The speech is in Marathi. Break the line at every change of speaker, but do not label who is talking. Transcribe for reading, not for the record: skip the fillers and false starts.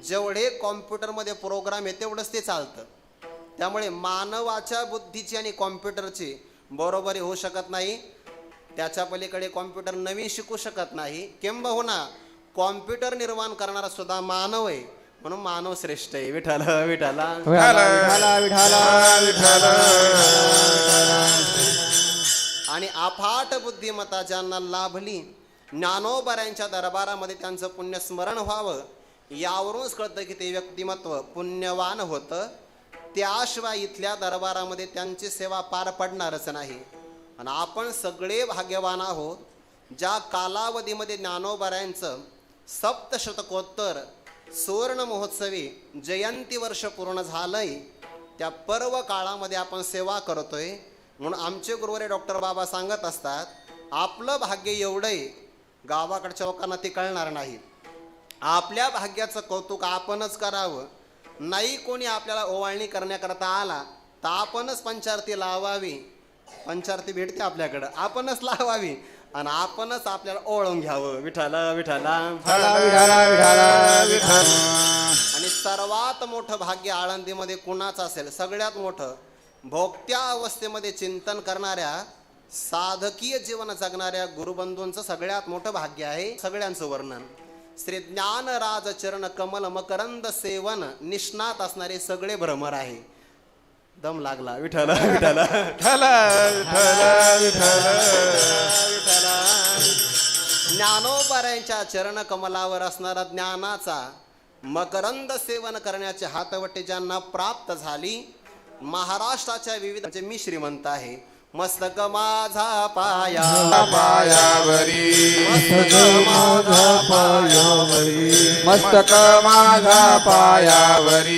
जेवढे कॉम्प्युटरमध्ये प्रोग्राम आहे तेवढंच ते चालतं. त्यामुळे मानवाच्या बुद्धीची आणि कॉम्प्युटरची बरोबरी होऊ शकत नाही. त्याच्या पलीकडे कॉम्प्युटर नवीन शिकू शकत नाही. किंबहुना कॉम्प्युटर निर्माण करणारा सुद्धा मानव आहे, म्हणून मानव श्रेष्ठ आहे. विठ्ठल विठ्ठल आणि अफाट बुद्धिमत्ता ज्यांना लाभली, ज्ञानोबऱ्यांच्या दरबारामध्ये त्यांचं पुण्यस्मरण व्हावं, यावरूनच कळतं की ते व्यक्तिमत्व पुण्यवान होतं. त्याशिवाय इथल्या दरबारामध्ये त्यांची सेवा पार पडणारच नाही. आणि आपण सगळे भाग्यवान आहोत. ज्या कालावधीमध्ये ज्ञानोबऱ्यांचं सप्तशतकोत्तर सुवर्ण महोत्सवी जयंती वर्ष पूर्ण झालंय, त्या पर्व काळामध्ये आपण सेवा करतोय. म्हणून आमचे गुरुवारी डॉक्टर बाबा सांगत असतात, आपलं भाग्य एवढंही गावाकडच्या लोकांना ते कळणार नाही. आपल्या भाग्याचं कौतुक आपणच करावं. नाही कोणी आपल्याला ओवाळणी करण्याकरता आला तर आपणच पंचारती लावावी. पंचारती भेटते आपल्याकडं, आपणच लावावी आणि आपणच आपल्याला ओळून घ्यावं. विठ्ठल विठ्ठल आणि सर्वात मोठं भाग्य आळंदीमध्ये कुणाचं असेल? सगळ्यात मोठं भोगत्या अवस्थेमध्ये चिंतन करणाऱ्या, साधकीय जीवन जगणाऱ्या गुरुबंधूंचं सगळ्यात मोठं भाग्य आहे. सगळ्यांचं वर्णन श्री ज्ञानराज चरण कमल मकरंद सेवन निष्णात असणारे सगळे भ्रमर आहे. दम लागला. विठ्ठल विठ्ठल ज्ञानोबऱ्यांच्या चरण कमलावर असणारा ज्ञानाचा मकरंद सेवन करण्याचे हातवटे ज्यांना प्राप्त झाली, महाराष्ट्राच्या विविध म्हणजे मी श्रीमंत आहे. मस्तक माझा पाया
पायावरी,
मस्तक माझा पायावरी,
मस्तक माझा पायावरी.